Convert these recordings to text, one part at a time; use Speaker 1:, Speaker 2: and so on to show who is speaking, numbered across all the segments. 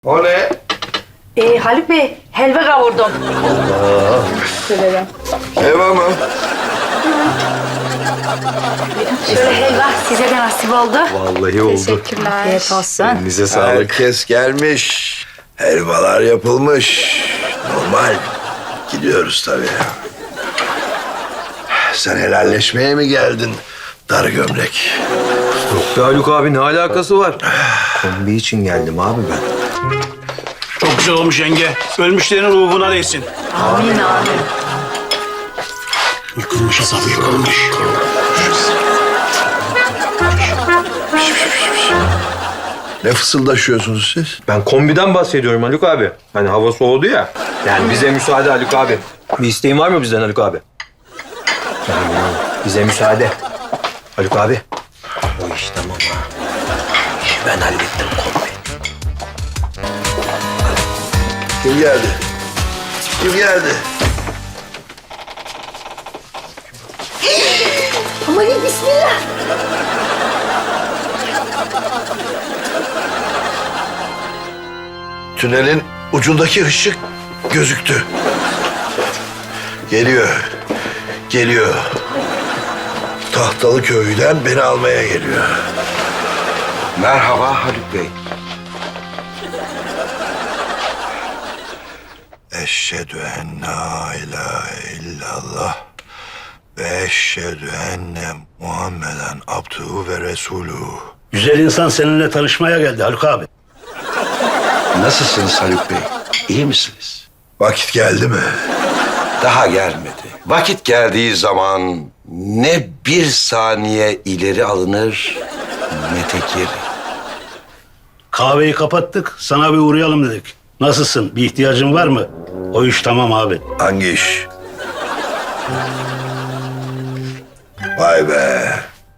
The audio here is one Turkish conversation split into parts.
Speaker 1: O ne?
Speaker 2: Haluk Bey, helva kavurdum. Severim.
Speaker 1: Helva mı?
Speaker 2: Şöyle helva size de nasip oldu.
Speaker 1: Vallahi oldu.
Speaker 2: Teşekkürler. Afiyet olsun.
Speaker 1: Elinize sağlık. Herkes gelmiş. Helvalar yapılmış. Normal. Gidiyoruz tabii. Sen helalleşmeye mi geldin dar gömlek?
Speaker 3: Yok be Haluk abi, ne alakası var? Kombi için geldim abi ben.
Speaker 4: Çok güzel olmuş yenge. Ölmüşlerin ruhuna değsin.
Speaker 2: Amin amin.
Speaker 4: Yıkılmış hesabı yıkılmış.
Speaker 1: Ne fısıldaşıyorsunuz siz?
Speaker 3: Ben kombiden bahsediyorum Haluk abi. Hani hava soğudu ya. Yani bize müsaade Haluk abi. Bir isteğin var mı bizden Haluk abi? Yani bize müsaade. Haluk abi. O iş tamam ha. Ben hallettim kombi.
Speaker 1: Kim geldi? Kim geldi?
Speaker 2: Aman bismillah.
Speaker 1: Tünelin ucundaki ışık gözüktü. Geliyor. Geliyor. Tahtalı köyden beni almaya geliyor.
Speaker 5: Merhaba Haluk Bey.
Speaker 1: Eşhedü en la ilahe illallah ve eşhedü enne Muhammeden abduhu ve resuluhu.
Speaker 4: Güzel insan seninle tanışmaya geldi Haluk abi.
Speaker 5: Nasılsınız Haluk Bey? İyi misiniz?
Speaker 1: Vakit geldi mi?
Speaker 5: Daha gelmedi. Vakit geldiği zaman ne bir saniye ileri alınır ne tek geri.
Speaker 4: Kahveyi kapattık. Sana bir uğrayalım dedik. Nasılsın? Bir ihtiyacın var mı? O iş tamam abi.
Speaker 1: Hangi iş? Vay be.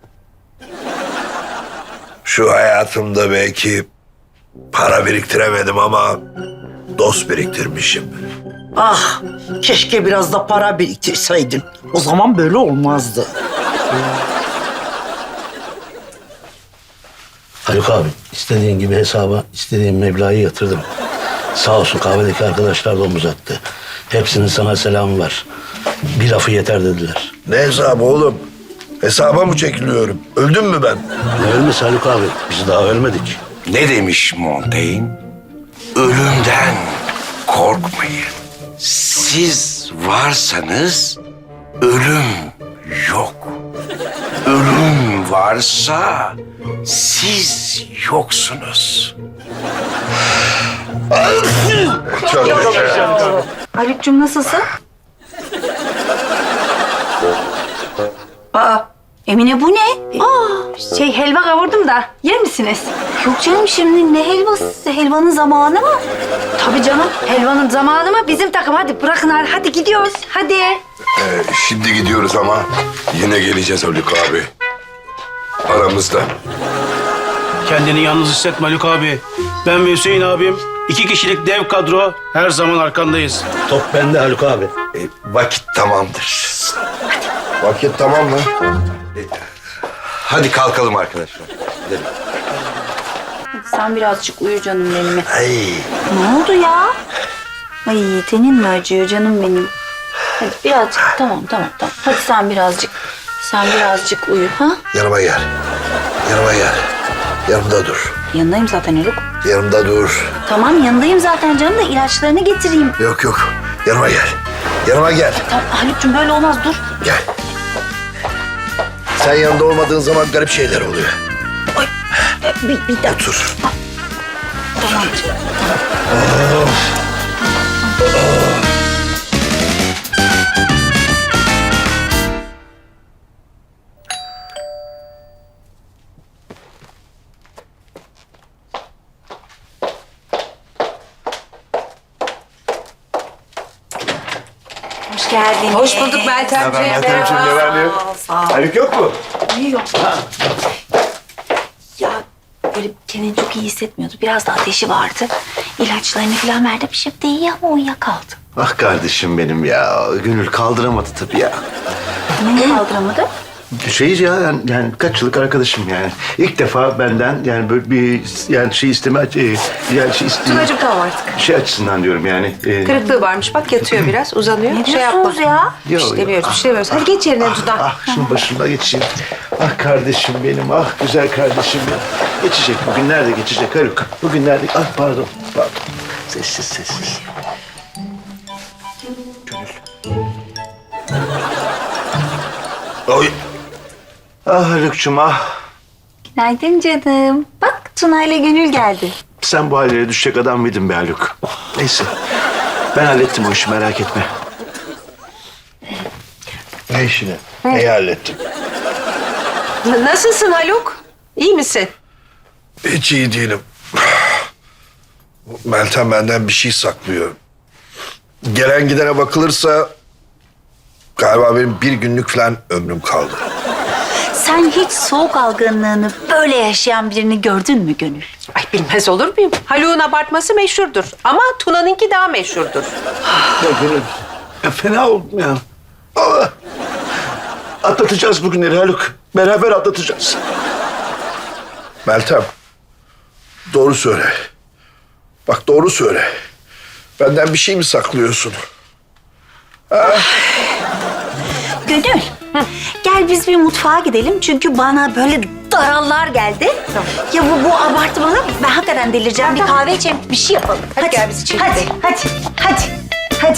Speaker 1: Şu hayatımda belki para biriktiremedim ama dost biriktirmişim.
Speaker 6: Ah, keşke biraz da para biriktirseydin. O zaman böyle olmazdı.
Speaker 4: Haluk abi, istediğin gibi hesaba istediğin meblağı yatırdım. Sağ olsun kahvedeki arkadaşlar da omuz attı. Hepsinin sana selamı var. Bir lafı yeter dediler.
Speaker 1: Ne hesabı oğlum? Hesaba mı çekiliyorum? Öldüm mü ben?
Speaker 4: Ne ölmesi Haluk abi? Biz daha ölmedik.
Speaker 5: Ne demiş Montaigne? Ölümden korkmayın. Siz varsanız ölüm yok. Ölüm varsa siz yoksunuz.
Speaker 2: Haluk'cum nasılsın? Emine bu ne? Helva kavurdum da yer misiniz?
Speaker 7: Yok canım şimdi ne helvası? Helvanın zamanı mı?
Speaker 2: Tabii canım, helvanın zamanı mı? Bizim takım hadi bırakın hadi gidiyoruz hadi.
Speaker 8: Şimdi gidiyoruz ama yine geleceğiz Haluk abi. Aramızda.
Speaker 4: Kendini yalnız hissetme Haluk abi. Ben ve Hüseyin abim 2 kişilik dev kadro her zaman arkandayız. Top bende Haluk abi.
Speaker 5: Vakit tamamdır.
Speaker 1: Vakit tamam mı?
Speaker 5: Hadi kalkalım arkadaşlar. Gidelim.
Speaker 7: Sen birazcık uyu canım benim.
Speaker 1: Ay.
Speaker 7: Ne oldu ya? Ay tenin mi acıyor canım benim? Hadi birazcık tamam. Hadi sen birazcık uyu ha?
Speaker 1: Yanıma gel. Yanıma gel. Yanımda dur.
Speaker 7: Yanındayım zaten Haluk.
Speaker 1: Yanımda dur.
Speaker 7: Tamam yanındayım zaten canım da ilaçlarını getireyim.
Speaker 1: Yok. Yanıma gel. Yanıma gel.
Speaker 7: Tamam Haluk'cum böyle olmaz dur.
Speaker 1: Gel. Sen yanında olmadığın zaman garip şeyler oluyor.
Speaker 7: Bir dakika.
Speaker 1: Otur.
Speaker 7: Tamam.
Speaker 2: Hoş geldin. Hoş bulduk Meltemciğim.
Speaker 1: Meltemciğim, ne var ne yok? Haluk yok mu?
Speaker 7: Yok. Ya böyle kendini çok iyi hissetmiyordu. Biraz da ateşi vardı. İlaçlarını falan verdim. Şimdi iyi ama uyuyakaldı.
Speaker 5: Ah kardeşim benim ya. Gönül kaldıramadı tabii ya.
Speaker 7: Neyi kaldıramadı?
Speaker 9: Şeyiz ya yani kaç yıllık arkadaşım yani. İlk defa benden yani böyle bir yani şey isteme yani şey isteme
Speaker 10: Tunacığım tamam artık.
Speaker 9: şey açısından diyorum yani.
Speaker 10: Kırıklığı varmış. Bak yatıyor biraz, uzanıyor.
Speaker 7: Ne
Speaker 10: şey yapma.
Speaker 7: diyorsunuz ya?
Speaker 10: Bir şey demiyoruz, bir şey demiyoruz. Hadi geç yerine Tuna.
Speaker 9: Şunun başında geçeyim. Ah kardeşim benim, ah güzel kardeşim ya. Geçecek, bugünler de geçecek Haluk. Bugünler de, ah pardon. Sessiz, sessiz.
Speaker 1: Oy.
Speaker 9: Ah Haluk'cum ah.
Speaker 7: Günaydın canım. Bak Tuna ile Gönül geldi.
Speaker 9: Sen bu hallere düşecek adam mıydın be Haluk? Neyse, ben hallettim o işi merak etme.
Speaker 1: Ne işini? Neyi hallettin?
Speaker 10: Nasılsın Haluk? İyi misin?
Speaker 1: Hiç iyi değilim. Meltem benden bir şey saklıyor. Gelen gidene bakılırsa galiba benim bir günlük falan ömrüm kaldı.
Speaker 7: Sen hiç soğuk algınlığını böyle yaşayan birini gördün mü Gönül?
Speaker 10: Ay bilmez olur muyum? Haluk'un abartması meşhurdur. Ama Tuna'nınki daha meşhurdur.
Speaker 9: Ya Gönül, ya fena oldum ya. Allah! Atlatacağız bugünleri Haluk. Beraber atlatacağız.
Speaker 1: Meltem, doğru söyle. Bak doğru söyle. Benden bir şey mi saklıyorsun?
Speaker 7: Gönül, gel biz bir mutfağa gidelim çünkü bana böyle darallar geldi. Ya bu abartı ben hakikaten delireceğim. Bir kahve içelim, bir şey yapalım.
Speaker 10: Hadi gel biz içeri
Speaker 7: Hadi,
Speaker 10: gidelim.
Speaker 7: hadi.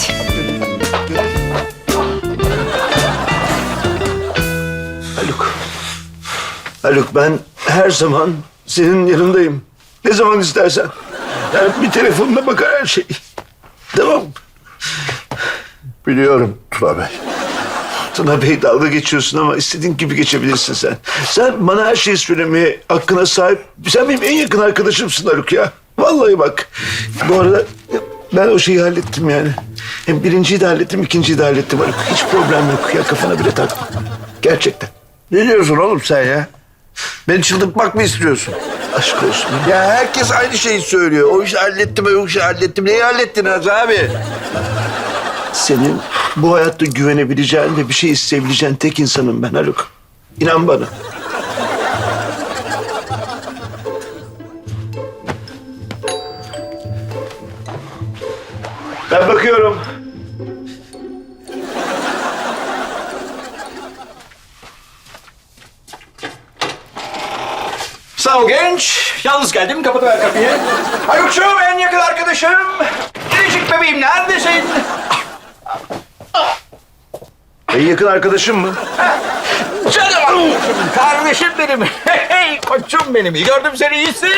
Speaker 9: Haluk ben her zaman senin yanındayım. Ne zaman istersen. Yani bir telefonuna bakar her şey. Tamam.
Speaker 1: Biliyorum Tuna Bey.
Speaker 9: Tuna Bey dalga geçiyorsun ama istediğin gibi geçebilirsin sen. Sen bana her şeyi söylemeye hakkına sahip. Sen benim en yakın arkadaşımsın Haluk ya. Vallahi bak. Bu arada ben o şeyi hallettim yani. Hem birinciyi de hallettim, ikinciyi de hallettim Haluk. Hiç problem yok ya, kafana bile takma. Gerçekten.
Speaker 1: Ne diyorsun oğlum sen ya? Beni çıldırtmak mı istiyorsun?
Speaker 9: Aşk olsun.
Speaker 1: Ya herkes aynı şeyi söylüyor. O işi hallettim, o işi hallettim. Neyi hallettiniz abi?
Speaker 9: Senin bu hayatta güvenebileceğin ve bir şey isteyebileceğin tek insanım ben Haluk. İnan bana. Ben bakıyorum.
Speaker 11: Sağ ol genç. Yalnız geldim. Kapatıver kapıyı. Haluk'cuğum en yakın arkadaşım. Biricik bebeğim neredesin?
Speaker 9: En yakın arkadaşım mı?
Speaker 11: Canım kardeşim benim. Hey koçum benim. Gördüm seni iyisin.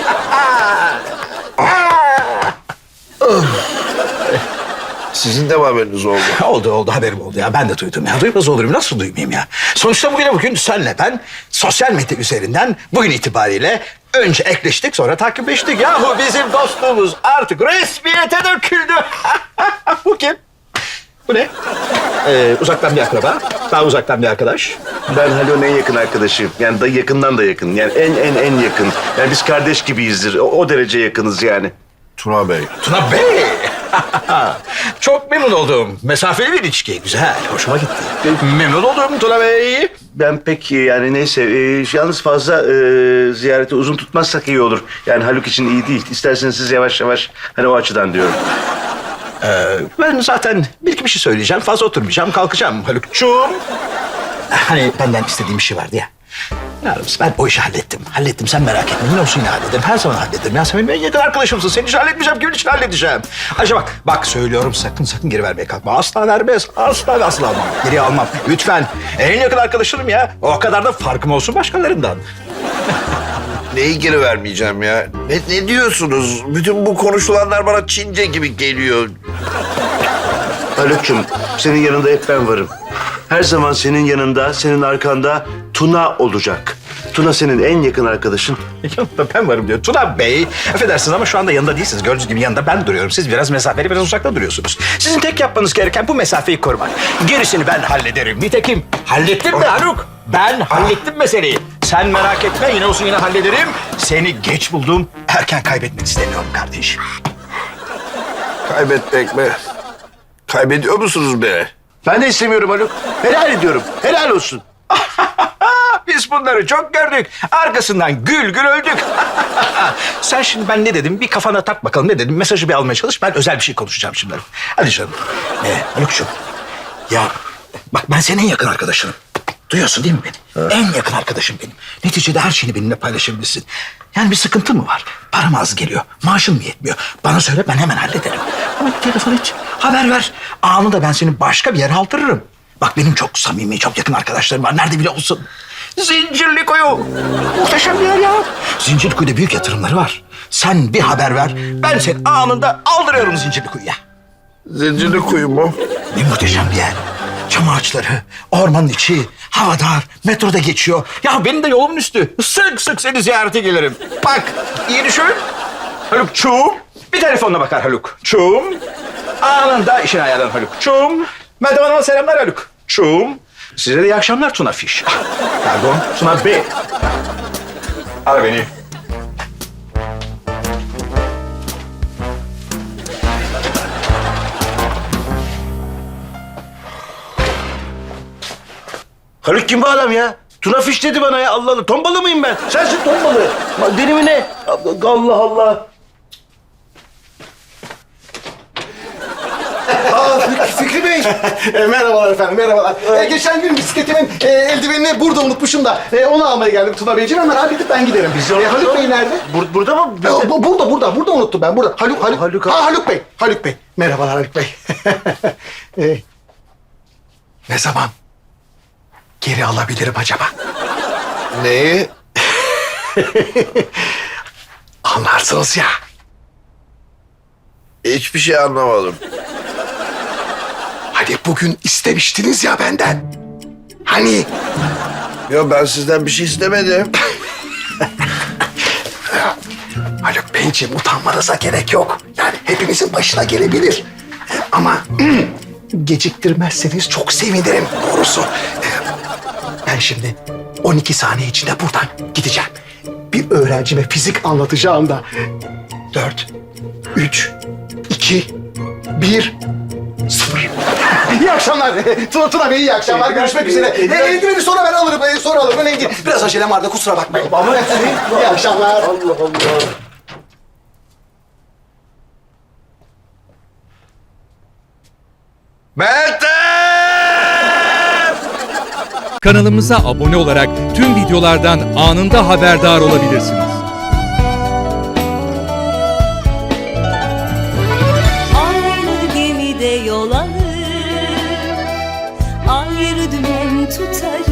Speaker 1: Sizin de mi haberiniz oldu?
Speaker 11: Oldu haberim oldu ya. Ben de duydum ya. Duymaz olurum. Nasıl duymayayım ya? Sonuçta bugün senle ben sosyal medya üzerinden bugün itibariyle önce ekleştik sonra takipleştik. Yahu bizim dostluğumuz artık resmiyete döküldü. Bu kim? Bu ne? Uzaktan bir akraba. Daha uzaktan bir arkadaş.
Speaker 9: Ben Haluk'un en yakın arkadaşıyım. Yani da yakından da yakın. Yani en yakın. Yani biz kardeş gibiyizdir. O derece yakınız yani.
Speaker 1: Tuna Bey.
Speaker 11: Tuna Bey. Çok memnun oldum. Mesafeli bir ilişki. Güzel. Hoşuma gitti. Memnun oldum Tuna Bey.
Speaker 9: Ben pek yani neyse yalnız fazla ziyareti uzun tutmazsak iyi olur. Yani Haluk için iyi değil. İsterseniz siz yavaş yavaş hani o açıdan diyorum.
Speaker 11: Ben zaten bir iki bir şey söyleyeceğim. Fazla oturmayacağım. Kalkacağım Haluk'cuğum. Hani benden istediğim bir şey vardı ya. Yalnız ben o işi hallettim. Hallettim sen merak etme. Ne olsun yine hallederim. Her zaman hallederim. Ya sen benim en yakın arkadaşımsın. Senin için halletmeyeceğim. Kimin için halledeceğim? Ayrıca bak söylüyorum sakın geri vermeye kalkma. Asla vermez. Asla almam. Geri almam. Lütfen. En yakın arkadaşım ya. O kadar da farkım olsun başkalarından.
Speaker 1: Neyi geri vermeyeceğim ya? Ne diyorsunuz? Bütün bu konuşulanlar bana Çince gibi geliyor.
Speaker 9: Haluk'cum senin yanında hep ben varım. Her zaman senin yanında, senin arkanda Tuna olacak. Tuna senin en yakın arkadaşın.
Speaker 11: Yanında ben varım diyor. Tuna Bey, affedersiniz ama şu anda yanında değilsiniz. Gördüğünüz gibi yanında ben duruyorum. Siz biraz mesafeli, biraz uzakta duruyorsunuz. Sizin tek yapmanız gereken bu mesafeyi korumak. Gerisini ben hallederim. Nitekim hallettim mi Haluk? Ben hallettim meseleyi. Sen merak etme, yine olsun yine hallederim. Seni geç buldum. Erken kaybetmek istemiyorum kardeşim.
Speaker 1: Kaybetmek mi? Kaybediyor musunuz beni?
Speaker 9: Ben de istemiyorum Haluk. Helal ediyorum. Helal olsun.
Speaker 11: biz bunları çok gördük. Arkasından gül gül öldük. Sen şimdi ben ne dedim? Bir kafana tak bakalım ne dedim? Mesajı bir almaya çalış. Ben özel bir şey konuşacağım şimdi. Hadi canım. Haluk'cum. Ya bak ben senin en yakın arkadaşınım. Duyuyorsun değil mi beni? En yakın arkadaşım benim. Neticede her şeyini benimle paylaşabilirsin. Yani bir sıkıntı mı var? Param az geliyor. Maaşın mı yetmiyor? Bana söyle ben hemen hallederim. Ama bir telefon et. Haber ver. Anında ben seni başka bir yere aldırırım. Bak benim çok samimi, çok yakın arkadaşlarım var. Nerede bile olsun. Zincirlikuyu. Muhteşem bir yer ya. Zincirlikuyu'da büyük yatırımları var. Sen bir haber ver. Ben seni anında aldırıyorum Zincirlikuyu'ya.
Speaker 1: Zincirli kuyu mu?
Speaker 11: Ne muhteşem bir yer. Çam ağaçları, ormanın içi, hava dar, metroda geçiyor. Ya benim de yolumun üstü. Sık sık seni ziyarete gelirim. Bak, iyi düşün. Haluk'çum. Bir telefonla bakar Haluk'çum. Anında işini ayarlar Haluk'çum. Meltem Hanım'a selamlar Haluk'çum. Size de iyi akşamlar Tuna Fiş. Pardon, Tuna Bey. Ara beni.
Speaker 9: Haluk kim bu adam ya? Tuna Fiş dedi bana ya. Allah Allah. Ton balığı mıyım ben? Sensin ton balığı. Deli mi ne? Allah Allah.
Speaker 12: Fikri Bey. Merhabalar efendim, merhabalar. Geçen gün bisikletimin eldivenini burada unutmuşum da onu almaya geldim Tuna Beyciğim. Hemen halledip ben giderim. Haluk Bey nerede?
Speaker 9: Burada mı?
Speaker 12: Burada unuttum ben. Burada. Haluk Bey. Haluk Bey. Merhabalar Haluk Bey. Ne zaman geri alabilirim acaba?
Speaker 1: Neyi?
Speaker 12: Anlarsınız ya.
Speaker 1: Hiçbir şey anlamadım.
Speaker 12: Hani bugün istemiştiniz ya benden. Hani?
Speaker 1: Ya ben sizden bir şey istemedim.
Speaker 12: Haluk Beyciğim utanmanıza gerek yok. Yani hepimizin başına gelebilir. Ama geciktirmezseniz çok sevinirim doğrusu. Ben şimdi 12 saniye içinde buradan gideceğim. Bir öğrencime fizik anlatacağım da. 4, 3, 2, 1, 0. İyi akşamlar. Tuna Bey iyi akşamlar. Görüşmek üzere. Eldiveni sonra ben alırım. Sonra alırım. Önemli değil. Biraz acelem vardı kusura bakmayın. Ama iyi akşamlar. Allah Allah.
Speaker 13: Kanalımıza abone olarak tüm videolardan anında haberdar olabilirsiniz.
Speaker 14: Aynı gemide yol alır, ayrı dümen tutarız.